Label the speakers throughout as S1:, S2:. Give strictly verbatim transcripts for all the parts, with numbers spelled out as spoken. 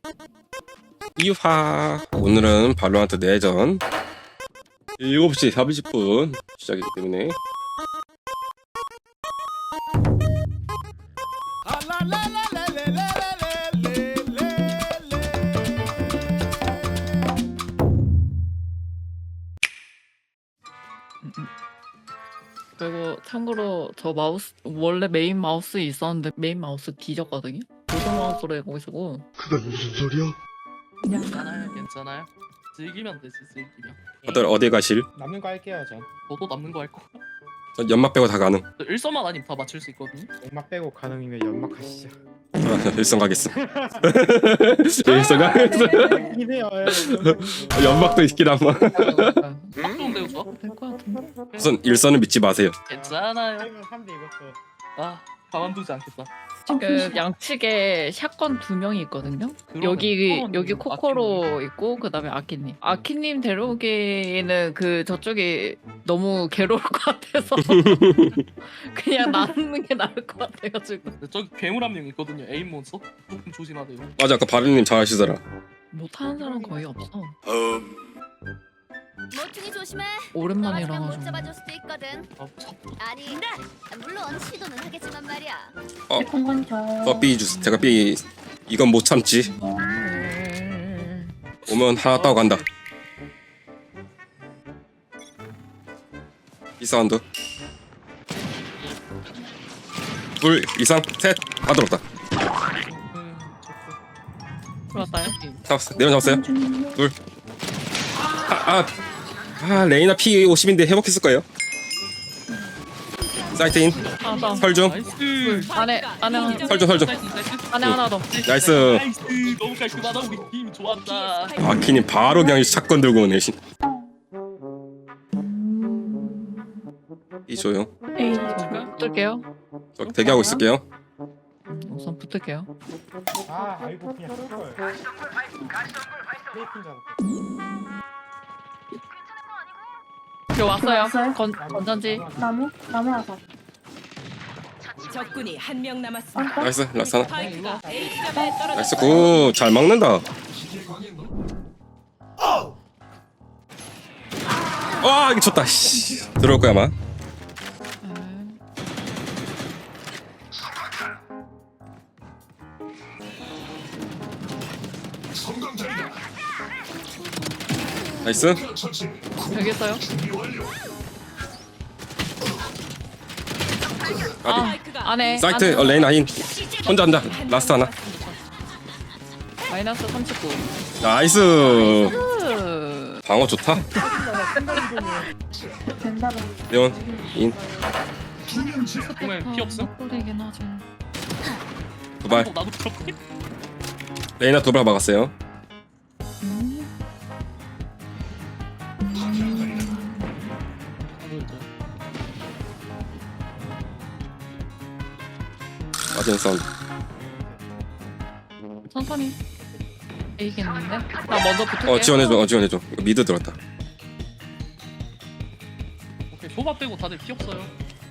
S1: 이화. 오늘은 발로란트 내전 일곱 시 사십 분 시작이기 때문에
S2: 그리고 참고로 저 마우스 원래 메인 마우스 있었는데 메인 마우스 뒤졌거든요. 보조 마우스로 해고 있고.
S3: 그건 무슨 소리야?
S4: 괜찮아요, 괜찮아요. 즐기면 되지, 즐기면.
S1: 어디 어디 가실?
S5: 남는 거 할게요 전.
S4: 저도 남는 거 할 거.
S1: 전 연막 빼고 다 가능.
S4: 저 일서만 아니면 다 맞출 수 있거든요.
S5: 연막 빼고 가능이면 연막 하시죠.
S1: 아, 일성 가겠어. 일성 가겠어.
S5: 이네요.
S1: 연막도 있긴 한마.
S4: 딱 좋은데요, 저?
S2: 될것 같은데.
S1: 우선 일선은 믿지 마세요.
S4: 괜찮아요.
S5: 삼 대 이것도.
S4: 아, 가만두지 않겠다.
S2: 그 양측에 샷건 두 명이 있거든요.
S4: 그러네.
S2: 여기
S4: 코코로님,
S2: 여기 코코로 있고 그다음에 아키님. 아키님 데려오기에는 그 저쪽이 너무 괴로울 것 같아서 그냥 나누는 게 나을 것 같아가지고.
S4: 근데 저기 괴물 한 명 있거든요. 에임 몬스터. 조금 조심하세요.
S1: 맞아, 아까 바르님 잘하시더라.
S2: 못하는 사람 거의 없어.
S6: 모퉁이 조심해.
S2: 오랜만이라
S6: 못
S2: 가지고.
S6: 잡아줄 수도 있거든.
S4: 아, 참.
S6: 아니, 물론 시도는 하겠지만 말이야.
S1: 어, B 주스. 제가 B 이건 못 참지. 오면 하나 따고 간다. 이 사운드. 둘 이상 셋. 다 들었다.
S4: 음, 좋고.
S2: 들어왔다요?
S1: 잡았어. 내려 잡았어요. 둘. 아, 아, 아 레이나 P 오십인데 회복했을 거예요. 사이트인.
S2: 하나 더.
S1: 설중.
S4: 나이스.
S2: 안에 안에 하나.
S1: 설중 설중.
S4: 나이스, 나이스.
S2: 안에 하나 더.
S1: 나이스.
S4: 나이스. 너무 깔끔하다. 우리 팀 좋았다.
S1: 아키님 바로 그냥 사건 들고 오네. 신. 이 조용.
S2: 에이, 붙을게요.
S1: 저 대기하고 있을게요.
S2: 우선 붙을게요.
S5: 아 아이고 그냥 쓸 걸. 테이핑 잡았어.
S2: 저 왔어요. 건 건전지.
S7: 나무? 나무라서.
S8: 적군이 한 명 남았습니다.
S1: 나이스 라사나.
S8: 스파이크가 A 지점에 떨어졌습니다.
S1: 나이스 굿. 잘 막는다. 와 이거 졌다. 씨. 들어올 거야 아마. 나이스.
S2: 여기 있어요.
S1: 아비.
S8: 스파이크가
S2: 안에.
S1: 사이트
S2: 안에.
S1: 어, 레인 아인 혼자 한다. 라스트 하나.
S2: 마이너스 삼십구.
S1: 나이스.
S2: 으.
S1: 방어 좋다.
S7: 된다고.
S1: 레온 인
S4: 정말 피 없음?
S2: 꼴이긴 하지.
S1: 두발.
S4: 어, 나도 그렇게.
S1: 레이나 두발 막았어요. 맞은 사운드.
S2: 천천히. 이기겠는데? 나 먼저 붙을게.
S1: 어 지원해줘. 어 지원해줘. 이거 미드 들어왔다.
S4: 오케이, 소바 빼고 다들 피 없어요.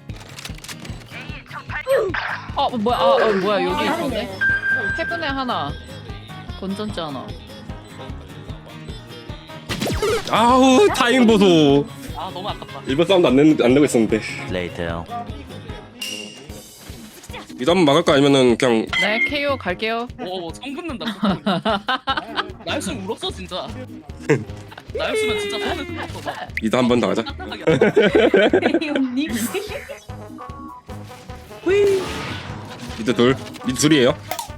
S2: 어 뭐야? 아 어, 뭐야 여기 있었네. 해븐에 하나. 건전지 하나.
S1: 아우 타임 보소.
S4: 아, 너무 아깝다.
S1: 일본 사운드 안 내는 안 내고 있었는데. 미드 한번 막을까 아니면은 그냥
S2: 네 케이오 갈게요.
S4: 오, 성 붙는다. 나였으면 울었어 진짜. 나였으면 진짜 손을 울었어. 나.
S1: 미드 한 번 더 가자.
S4: 딱딱하게.
S1: 미드 둘. 미드 둘이에요.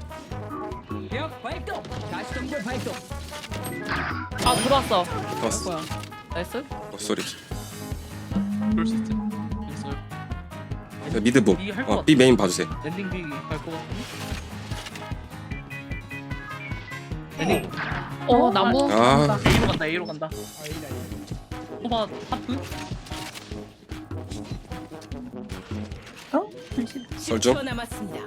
S2: 아 들어왔어.
S1: 좋았어.
S2: 뭐야? 나이스.
S1: 어 소리.
S4: 그럴 수 있지. 있어요.
S1: 미드 봄.
S4: 이게 할것
S1: 어 B 메인 봐주세요.
S4: 랜딩 비 갈것 같은데. 랜딩
S2: 어 나무.
S1: 아
S4: A로 간다. A로 간다. 소바 하프.
S7: 어?
S1: 설중.
S8: 십 초 남았습니다.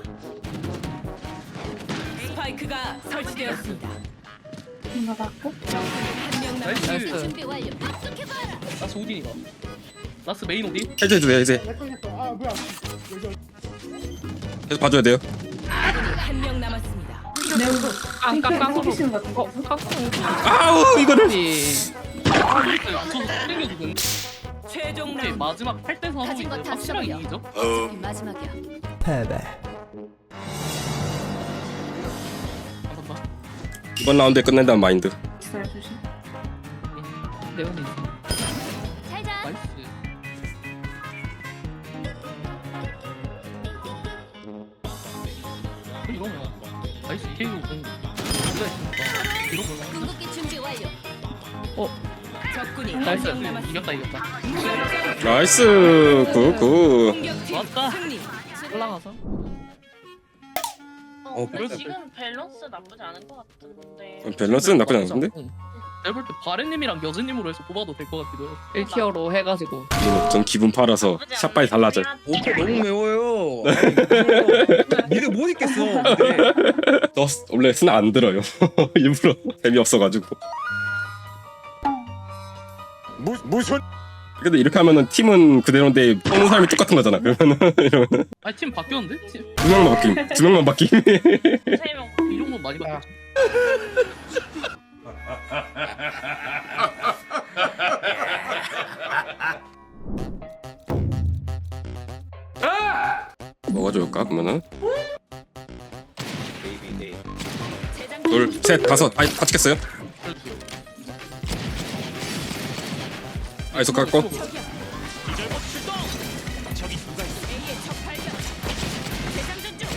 S8: 스파이크가 설치되었습니다.
S7: 이거 맞고?
S8: 한명 남았습니다.
S4: 나이스.
S6: 준비 완료. 압축해봐라.
S4: 나스 오딘이다. 나스 메인 오딘.
S1: 해제 해주세요. 해제.
S5: 렉걸렸어. 아 뭐야? 여기
S1: 계속 봐줘야 돼요.
S8: 한 명 남았습니다.
S7: 매운 거.
S2: 깡깡깡으로.
S7: 깡깡 같은
S2: 어,
S7: 거.
S2: 깡깡으로.
S1: 아우 이거를.
S4: 아 이렇게 맞춰서 땡겨주고
S8: 최종
S4: 오케이
S8: 라운드.
S4: 마지막 팔 대 사로
S6: 가진 거다
S4: 확실하게
S6: 써버려.
S4: 이기죠.
S6: 어차피 마지막이야.
S4: 감사합니다.
S1: 이번 라운드에 끝낸다는 마인드.
S7: 있어요 조심.
S2: 네온이 있어.
S6: 잘 자.
S4: 나이스. 이러면 나이스 케이오 공 진짜 있으니까 이러면
S6: 궁극기 준비 완료.
S8: 적군이
S2: 나이스.
S8: 한 명 남았습니다.
S4: 이겼다 이겼다.
S1: 나이스 굿굿.
S8: 공격팀
S4: 왔다.
S8: 승리.
S2: 올라가서.
S1: 어,
S3: 근데 지금 밸런스 나쁘지 않은 것 같은데.
S1: 밸런스는 나쁘지 않은데?
S4: 내가 볼때 바레님이랑 여진님으로 해서 뽑아도 될 것 같기도 해요.
S2: 일 티어로 해가지고.
S1: 이거 전 기분 팔아서 샷발이 달라져.
S9: 오퍼 너무 매워요. 아니, 이거 미드 못 있겠어. 근데.
S1: 저 원래 스나 안 들어요. 일부러 재미없어가지고.
S9: 무, 무슨?
S1: 근데 이렇게 하면은 팀은 그대로인데 뽑는 사람이 똑같은 거잖아. 그러면은 이러면
S4: 아니 팀 바뀌었는데? 팀,
S1: 두 명만 바뀜. 두 명만 바뀜.
S3: 세 명.
S4: 이 정도 많이 바뀌었죠.
S1: 뭐가 좋을까? 그러면은
S6: 재장
S1: 둘, 셋, 다섯. 아이 다 찍겠어요? 아이소 깎고.
S6: A의 적 발견. 재장전 중.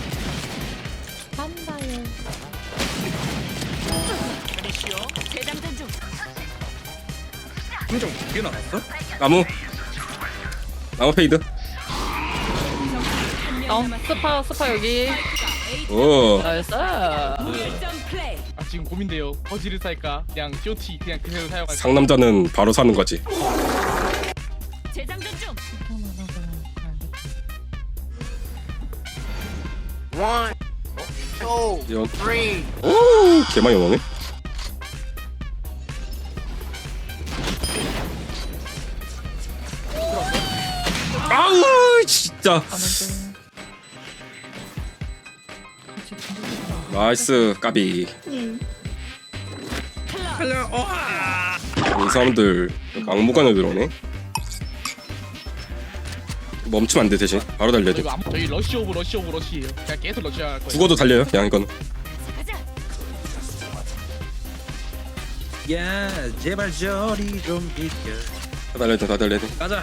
S6: 재장전 중.
S9: 표정 두개 나왔어?
S1: 나무. 나무 페이드.
S2: 어, 스파 스파 여기.
S1: 오.
S2: 나이스.
S8: 무결점 플레이.
S4: 아 지금 고민돼요. 버지를 살까? 그냥 쇼티 그냥 그대로 사용할까?
S1: 상남자는 바로 사는 거지.
S6: 재장전 중.
S1: 이런. 오, 개 많이 오네. 아우, 진짜. 나이스, 까비. 이 사람들 악무관에 들어오네. 멈추면 안 돼 대신 바로 달려야 돼.
S4: 저희, 아무- 저희 러시 오브 러시 오브 러시예요. 그냥 계속 러시할 거예요.
S1: 죽어도 달려요. 그냥 이건.
S6: 가자.
S9: 야 제발 저리 좀 비켜.
S1: 다 달려야 돼. 다 달려야 돼.
S9: 가자.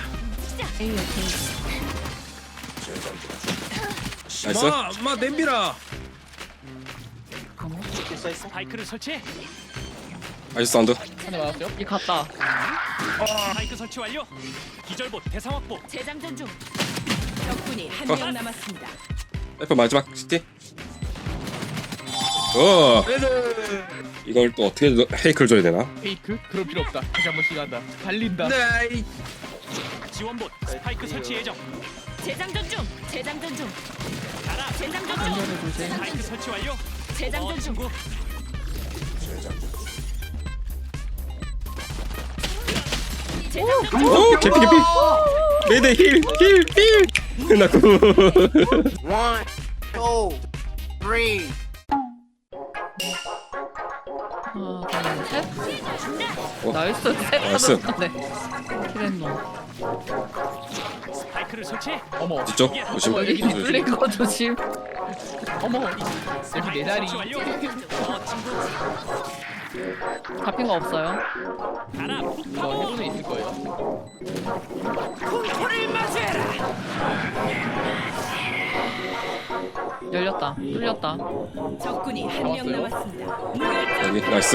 S1: 나이스.
S9: 마, 마 냄비라.
S10: 스파이크를 설치.
S1: 나이스 사운드.
S4: 하나 맞았어요?
S2: 이 갔다.
S10: 스파이크 설치 완료. 기절봇 대상 확보.
S6: 재장전 중.
S8: 적군이 한 명 남았습니다.
S1: F 마지막 시티. 어. 이걸 또 어떻게 헤이크를 줘야 되나?
S4: 페이크? 그럴 필요 없다. 다시 한 번씩 한다. 달린다.
S9: 나이.
S10: 지원봇 스파이크 설치 예정.
S6: 재장전 중. 재장전 중.
S10: 가라.
S6: 재장전 중.
S10: 스파이크 설치 완료.
S6: 재장전
S10: 어,
S6: 중.
S10: 친구.
S6: 재장전 중.
S1: 오, 개피 개피. 네네 힐, 힐, 힐. 나 그.
S2: 하나, 둘, 셋.
S1: 어.
S2: 나이스. 셋.
S1: 나이스.
S2: 네. 키렌노.
S10: 스파이크를 설치.
S4: 어머.
S1: 뒤쪽 조심.
S2: 어, 여기 뚫린 거 조심.
S4: 어머. 여기 내 자리.
S10: 설치 완료. 어, 친구.
S2: 잡힌 거 없어요.
S10: 가라.
S4: 이거 해본에 있을 거예요.
S2: 열렸다. 뚫렸다.
S8: 적군이 한 명
S4: 잡았어요?
S8: 남았습니다. 무결점
S1: 여기 나이스.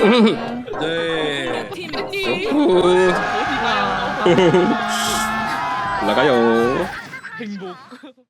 S9: 네.
S8: 팀
S1: 우.
S4: 어디가?
S1: 올라가요.
S4: 행복.